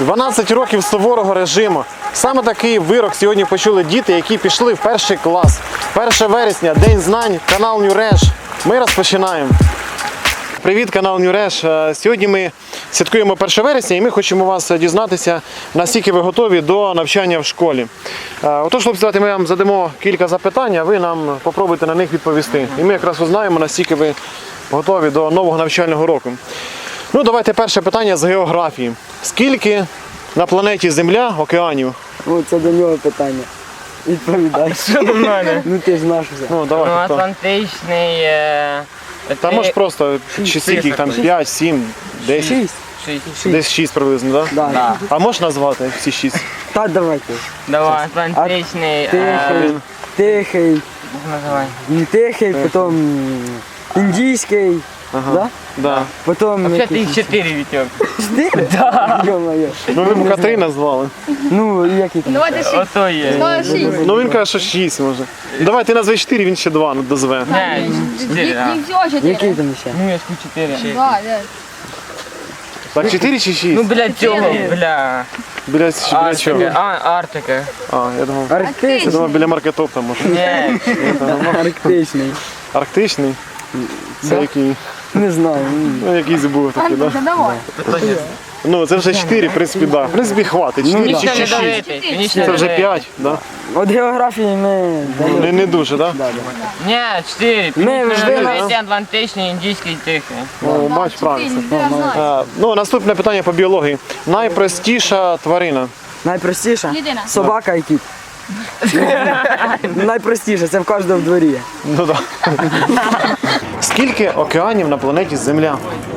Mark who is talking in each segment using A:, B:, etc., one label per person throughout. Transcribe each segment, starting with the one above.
A: 12 років суворого режиму. Саме такий вирок сьогодні почули діти, які пішли в перший клас. 1 вересня, День знань, канал Нюреш. Ми розпочинаємо. Привіт, канал Нюреш. Сьогодні ми святкуємо 1 вересня і ми хочемо вас дізнатися, наскільки ви готові до навчання в школі. Отож, хлопці, давайте ми вам задамо кілька запитань, а ви нам попробуйте на них відповісти. І ми якраз узнаємо, наскільки ви готові до нового навчального року. Ну, давайте перше питання з географії. Скільки на планеті Земля океанів?
B: О, це до нього питання. Відповідай.
C: Що до мене?
B: Ну ти ж наш вже.
A: Ну, давай.
C: Ну,
A: хто?
C: Атлантичний.
A: Та може просто чи скільки їх там 5, 7, 10?
B: 6.
A: Десь 6 приблизно, так? Да?
B: Да.
A: А можеш назвати всі 6?
B: Та давайте.
C: Давай, Атлантичний.
B: Тихий, тихий,
C: Називай.
B: тихий, потім індійський, да?
A: Да.
B: Потім
C: Взагалі їх 4, Вітьок.
B: 4? Да. Йо-моє.
A: Ну ви б 3 назвали.
B: Ну, і які там?
D: Давайте 6.
C: Ото є.
D: Давайте 6.
A: Ну він каже, що 6 може. Давай ти назви 4, він ще 2 дозве.
C: Не, 4, а.
D: Їх всього 4.
B: Які там ще?
C: Ну, я ж 4.
D: Да, да.
A: Так 4 чи 6?
C: Ну, бля, цього, бля.
A: Біля чого?
C: Артика.
A: Я думав. Я
B: Арктичний.
A: думав біля маркетопта може.
C: Ні.
B: Арктичний.
A: Арктичний? Це який?
B: Не знаю.
A: Ну якийсь був такий, так? Да?
D: Давай.
A: Ну це вже 4, в принципі, так. Да. В принципі, хватить. 4
C: Ніч
A: чи
C: не
A: 6.
C: давити. Ніч не
A: Це вже
C: давити.
A: 5, так?
B: От географії ми...
A: Не дуже, так? Да?
C: Ні, 4.
B: Ми вже
C: Давайте Атлантичний, індійський, тихий.
A: О, бач, правильно.
D: Я знаю.
A: Ну, наступне питання по біології. Найпростіша тварина.
B: Найпростіше?
D: Людина.
B: Собака і кіт. Найпростіше, це в кожному в дворі є.
A: Ну так. Скільки океанів на планеті Земля?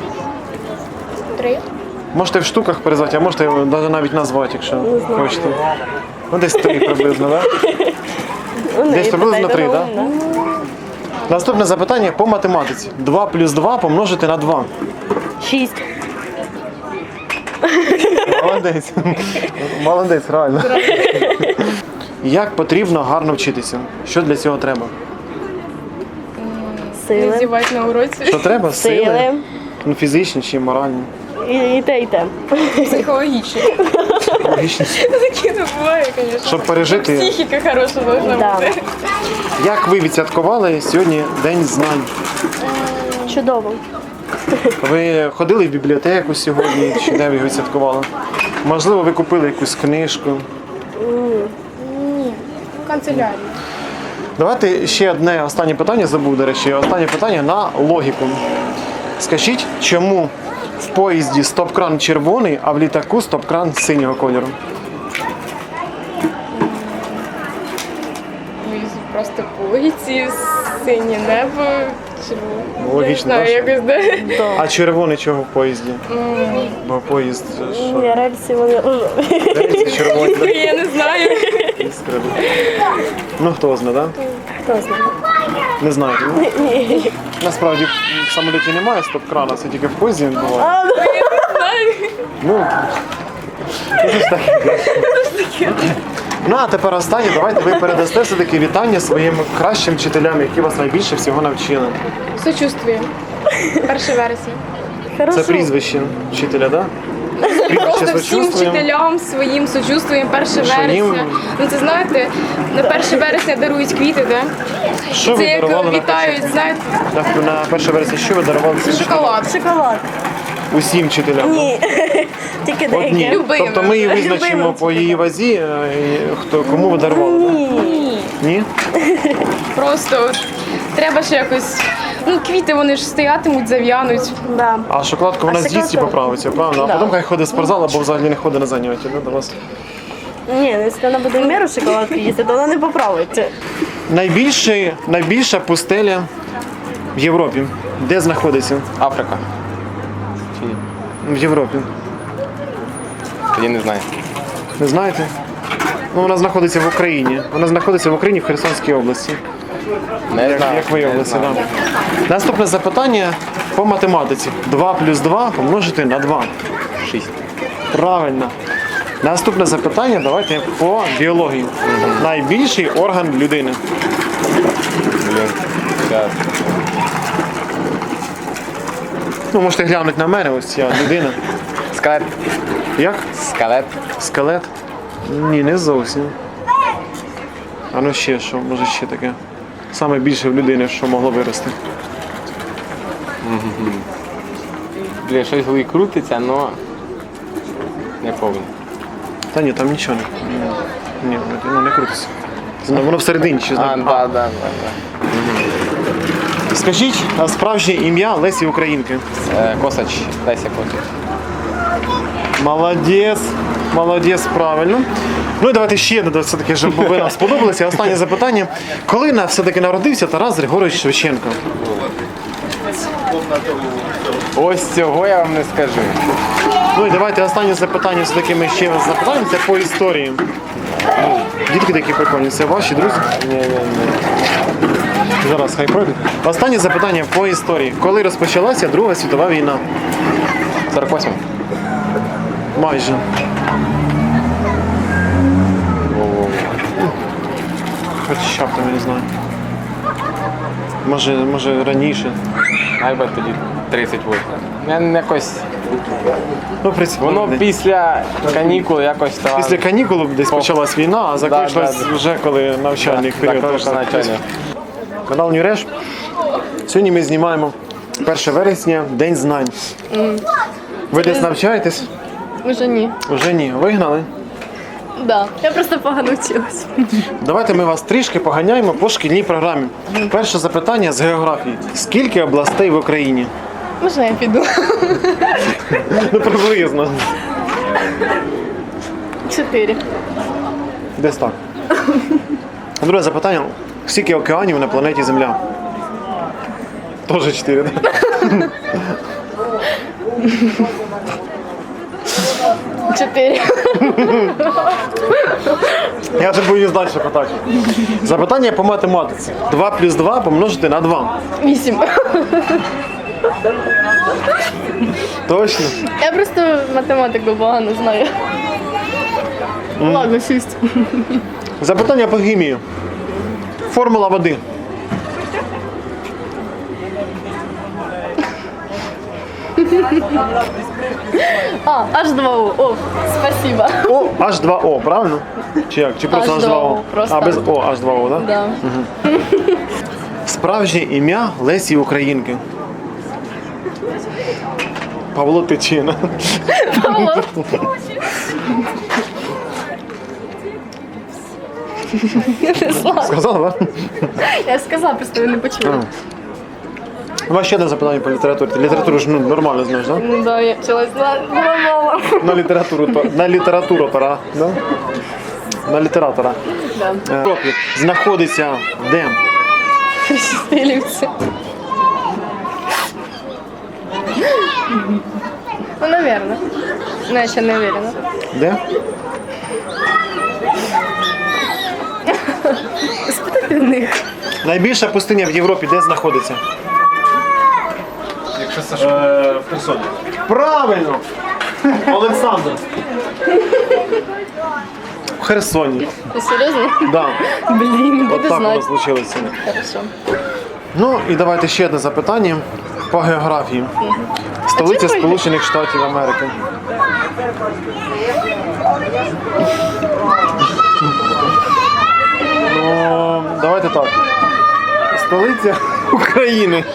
D: 3.
A: Можете в штуках перезвати, а можете навіть назвати, якщо хочете. Ну десь 3 приблизно, так? Десь приблизно 3, так? Наступне запитання по математиці. 2 плюс 2 помножити на 2.
E: 6.
A: Молодець. Молодець, реально. Як потрібно гарно вчитися? Що для цього треба?
E: Сили.
D: Здівати на уроці.
A: Що треба?
E: Сили.
A: Ну, фізичні чи моральні?
E: І те, і те.
D: Психологічно.
A: Логічні.
D: Такі не буває, звісно.
A: Щоб пережити.
D: Психіка хороша должна
E: Да.
D: бути.
A: Як ви відсвяткували сьогодні День знань?
E: Чудово.
A: Ви ходили в бібліотеку сьогодні, чи де ви його святкували? Можливо, ви купили якусь книжку.
D: В канцелярії.
A: Давайте ще одне останнє питання забув, до речі. Останнє питання на логіку. Скажіть, чому в поїзді стоп-кран червоний, а в літаку стоп-кран синього кольору?
D: Просто полиці, синє небо.
A: Логічно,
D: Не знаю,
A: так?
D: якось де.
A: А червоний чого в поїзді? Бо поїзд що?
E: Ні, рельси вони
A: Рельси червоні, да?
D: Я не знаю.
A: Іскри. Ну хто знає, так?
E: хто знає.
A: Не знаєте, ну?
E: Ні.
A: Насправді в самоліті немає стоп-крана, це тільки в поїзді він буває. Ну, це ж таке. Ну, а тепер останнє, давайте ви передасте все-таки вітання своїм кращим вчителям, які вас найбільше всього навчили.
D: Сочувствую. 1 вересня.
A: Це
E: Хорошо.
A: прізвище вчителя, так?
D: Просто всім
A: сочувствуємо.
D: вчителям своїм сочувствуємо 1
A: Своїм?
D: вересня. Ну це знаєте, на 1 вересня дарують квіти, так?
A: Що
D: Це
A: ви
D: як
A: дарували
D: вітають, знаєте,
A: на 1 вересня? Що ви дарували всім
D: шоколад.
E: Шоколад.
A: усім вчителям?
E: Ні. Тільки
A: Одні.
E: деякі.
D: Любимим.
A: Тобто ми її визначимо
E: Любимим.
A: по її вазі, кому ви дарували? так?
E: Ні.
A: Ні?
D: Просто от, треба ще якось. Ну, квіти вони ж стоятимуть, зав'януть.
E: Да.
A: А шоколадку вона
E: А
A: з'їсть і
E: шоколадку?
A: поправиться, правильно? А
E: Да.
A: потім хай ходить в спортзал або взагалі не ходить на заняття, да, до вас.
E: Ні, якщо вона буде в міру шоколадку їсти, то вона не поправиться.
A: Найбільша пустеля в Європі. Де знаходиться?
F: Африка. Чи ні?
A: В Європі.
F: Тоді не знаю.
A: Не знаєте? Ну, вона знаходиться в Україні. Вона знаходиться в Україні в Херсонській області.
F: Не знаю.
A: Як виявилося, так. Наступне запитання по математиці. 2 плюс 2 помножити на 2.
F: 6.
A: Правильно. Наступне запитання давайте по біології. Найбільший орган людини.
F: Блін. Зараз.
A: Ну, можете глянути на мене, ось я людина.
F: Скелет.
A: Як?
F: Скелет.
A: Скелет? Ні, не зовсім. А ну ще що, може ще таке. Саме більше в людини, що могло вирости.
F: Блін, щось в голові крутиться, але не повинно.
A: Та ні, там нічого не. Ні, воно не крутиться. Воно всередині чи
F: А,
A: знає.
F: да.
A: Скажіть, а справжнє ім'я Лесі Українки?
F: Косач. Леся Косач.
A: Молодець, правильно. Ну і давайте ще одне, все-таки, щоб ви нам сподобалися. Останнє запитання. Коли все-таки народився Тарас Григорович Шевченко?
F: Ось цього я вам не скажу.
A: Ну і давайте останнє запитання, все-таки ми ще вас запитаємо, це по історії. Дітки такі прикольні, це ваші друзі?
F: Ні.
A: Зараз хай пройдуть. Останнє запитання по історії. Коли розпочалася Друга світова війна?
F: 48.
A: Майже. Хоча б там, я не знаю. Може раніше.
F: Найби тоді 38. Я якось...
A: Ну, в принципі,
F: Воно після канікул якось там...
A: після канікул десь почалась війна, а закінчилась
F: Да.
A: вже коли навчальний період.
F: Закінчилось навчання.
A: Канал Нюреш. Сьогодні ми знімаємо 1 вересня, День знань. Ви десь навчаєтесь?
D: Уже ні.
A: Уже ні. Вигнали?
D: Да. Я просто погано вчилась.
A: Давайте ми вас трішки поганяємо по шкільній програмі. Перше запитання з географії. Скільки областей в Україні?
D: Можна я піду?
A: Ну, приблизно.
D: 4.
A: Десь так. Друге запитання. Скільки океанів на планеті Земля? Тоже 4, так?
D: Чотири.
A: Я вже боюсь далі питати. Запитання по математиці. 2 плюс 2 помножити на 2.
D: 8.
A: Точно?
D: Я просто математику погано знаю. Ладно, 6.
A: Запитання по хімії. Формула води.
D: А, H2O. О, спасибо.
A: О, H2O, правильно? Чи як? Чи просто
D: H2O,
A: H2O?
D: просто.
A: А, без О, H2O, так?
D: Да.
A: Справжнє ім'я Лесі Українки. Павло Тичина.
D: Павло. Не знаю.
A: Сказала, так?
D: Я сказала, просто ви не почули.
A: У вас ще одне запитання по літературі. Ти літературу ж нормально знаєш, так?
D: Ну да, я вчилась на мало.
A: На літературу пора, да? На літератора.
D: Да.
A: В Європі знаходиться де?
D: Христилівці. Ну, наверное. Но я ще не уверена.
A: Де?
D: Спитати в них.
A: Найбільша пустиня в Європі де знаходиться? В Херсоні. Правильно! Олександр. В Херсоні.
D: Ти серйозно?
A: Да.
D: Блін,
A: От
D: буду
A: так воно
D: знати.
A: случилося.
D: Хорошо.
A: Ну і давайте ще одне запитання по географії. Столиця
D: чому
A: Сполучених Штатів Америки. Ну, давайте так. Столиця України.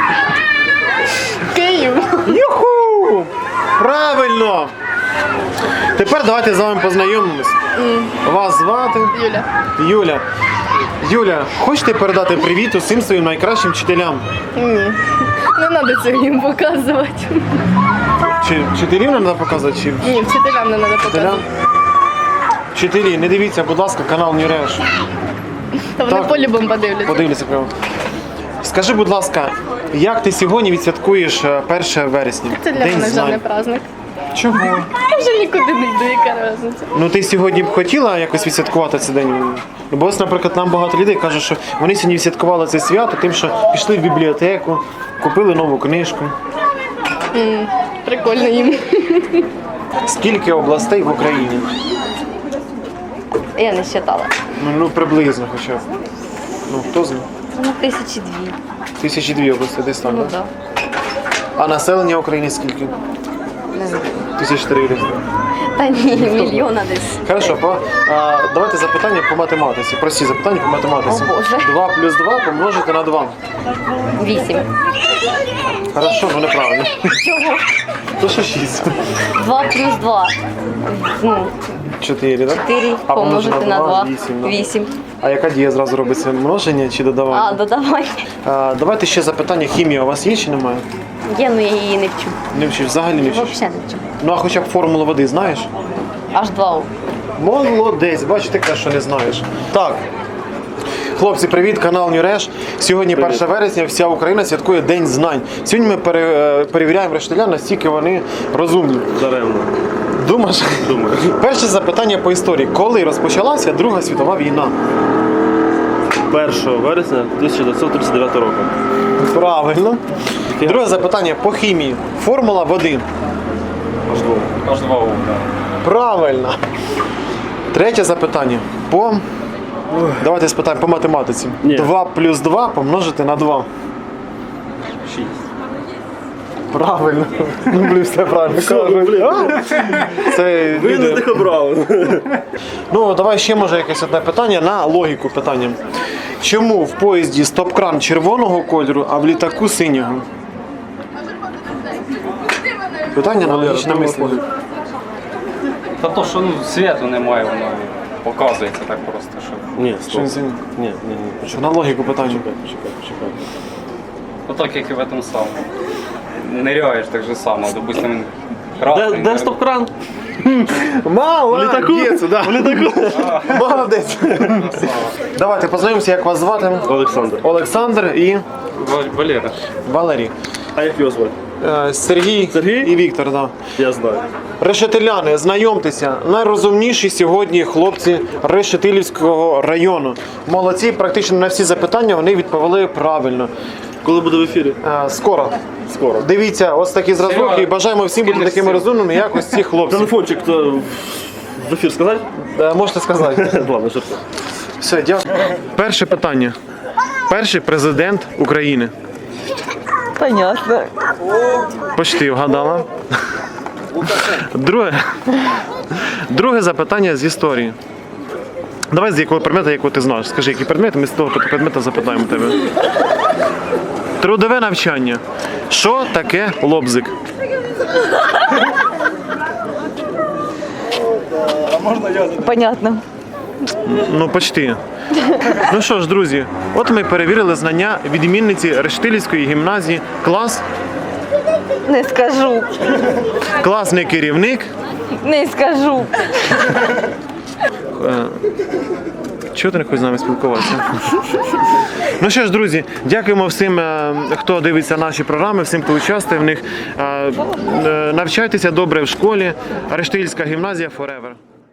D: Київ.
A: Юху! Правильно! Тепер давайте з вами познайомимось. Вас звати
D: Юля.
A: Юля. Юля, хочете передати привіт усім своїм найкращим вчителям?
D: Ні. Не треба це їм показувати.
A: Чи вчителів не треба показувати? Чи
D: Ні, вчителям не треба
A: вчителям?
D: показувати.
A: Вчителі, не дивіться, будь ласка, канал Нюреш.
D: Та вони
A: Так.
D: по-любому подивляться.
A: Подивіться прямо. Скажи, будь ласка, як ти сьогодні відсвяткуєш 1 вересня?
D: Це для мене вже не праздник.
A: Чого?
D: Я вже нікуди не йду, яка різниця.
A: Ну ти сьогодні б хотіла якось відсвяткувати цей день? Ну, бо ось, наприклад, нам багато людей кажуть, що вони сьогодні відсвяткували це свято тим, що пішли в бібліотеку, купили нову книжку.
D: Прикольно їм.
A: Скільки областей в Україні?
E: Я не вважала.
A: Ну приблизно хоча б. Ну, хто знає?
E: Ну, 1002.
A: 1002 області, десь так,
E: Ну
A: так?
E: так.
A: А населення України скільки?
E: Не знаю.
A: 1400.
E: Та ні, мільйона десь.
A: Хорошо, давайте запитання по математиці. Прості запитання по математиці.
E: О, Боже.
A: 2 плюс 2 помножити на 2.
E: 8.
A: Хорошо, ну неправильно.
E: Чого?
A: То що 6.
E: 2 плюс 2.
A: 4, так?
E: 4
A: А
E: помножити на 2.
A: 8.
E: 8.
A: А яка дія зразу робиться? Множення чи додавання?
E: А, додавай.
A: Давайте ще запитання. Хімія у вас є чи немає?
E: Є, ну я її не вчу.
A: Не вчиш, взагалі не вчиш?
E: Взагалі не вчу.
A: Ну а хоча б формулу води знаєш?
E: Аж 2.
A: Молодець, бачиш, ти кажеш, що не знаєш. Так. Хлопці, привіт, канал Нюреш. Сьогодні 1 вересня, вся Україна святкує День знань. Сьогодні ми перевіряємо рештилян, настільки вони розумні.
G: Даремно.
A: Думаєш?
G: Думаю.
A: Перше запитання по історії. Коли розпочалася Друга світова війна?
G: 1 вересня 1939 року.
A: Правильно. Друге запитання по хімії. Формула води.
G: H2O.
A: Правильно. Третє запитання. Давайте спитаємо по математиці.
G: Ні.
A: 2 плюс 2 помножити на 2.
G: 6.
A: Правильно. Ну, блін, все правильно кажуть. Це
G: Ви не
A: люди.
G: тих обрали.
A: Ну, давай ще може якесь одне питання на логіку питання. Чому в поїзді стоп-кран червоного кольору, а в літаку синього? Питання на логічне мислення.
H: Та то, що світу немає, воно показується так просто, що.
G: Ні,
A: Що
G: стоп.
A: він синій?
G: Ні.
A: Що на логіку питання.
G: Почекай.
H: Отак, як і в этом самому. Ниряєш так же само, допустим, красний.
G: Де стоп-кран?
A: Молодець, да. Молодець. Давайте познайомимося, як вас звати.
G: Олександр.
A: Олександр і
H: Валера.
A: Валерій.
G: А як його звати?
A: Сергій і Віктор. Да.
G: Я знаю.
A: Решетиляни, знайомтеся, найрозумніші сьогодні хлопці Решетилівського району. Молодці, практично на всі запитання вони відповіли правильно.
G: Коли буде в ефірі?
A: Скоро.
G: Скоро.
A: Дивіться, ось такі зразки і бажаємо всім бути такими розумними, як ось ці хлопці.
G: Телефончик то в ефір сказати?
A: Можете сказати.
G: Ладно, жартую.
A: Все, дякую. Перше питання. Перший президент України.
B: Понятно.
A: Почти вгадала. Друге запитання з історії. Давай з якого предмета, якого ти знаєш. Скажи, який предмет, ми з того предмета запитаємо тебе. Трудове навчання. Що таке лобзик?
B: Понятно.
A: Ну, почти. Ну що ж, друзі, от ми перевірили знання відмінниці Решетилівської гімназії. Клас,
B: Не скажу.
A: класний керівник.
B: Не скажу.
A: Чого ти не хочеш з нами спілкуватися? Ну що ж, друзі, дякуємо всім, хто дивиться наші програми, всім, хто участвує в них. Навчайтеся добре в школі. Решетилівська гімназія forever.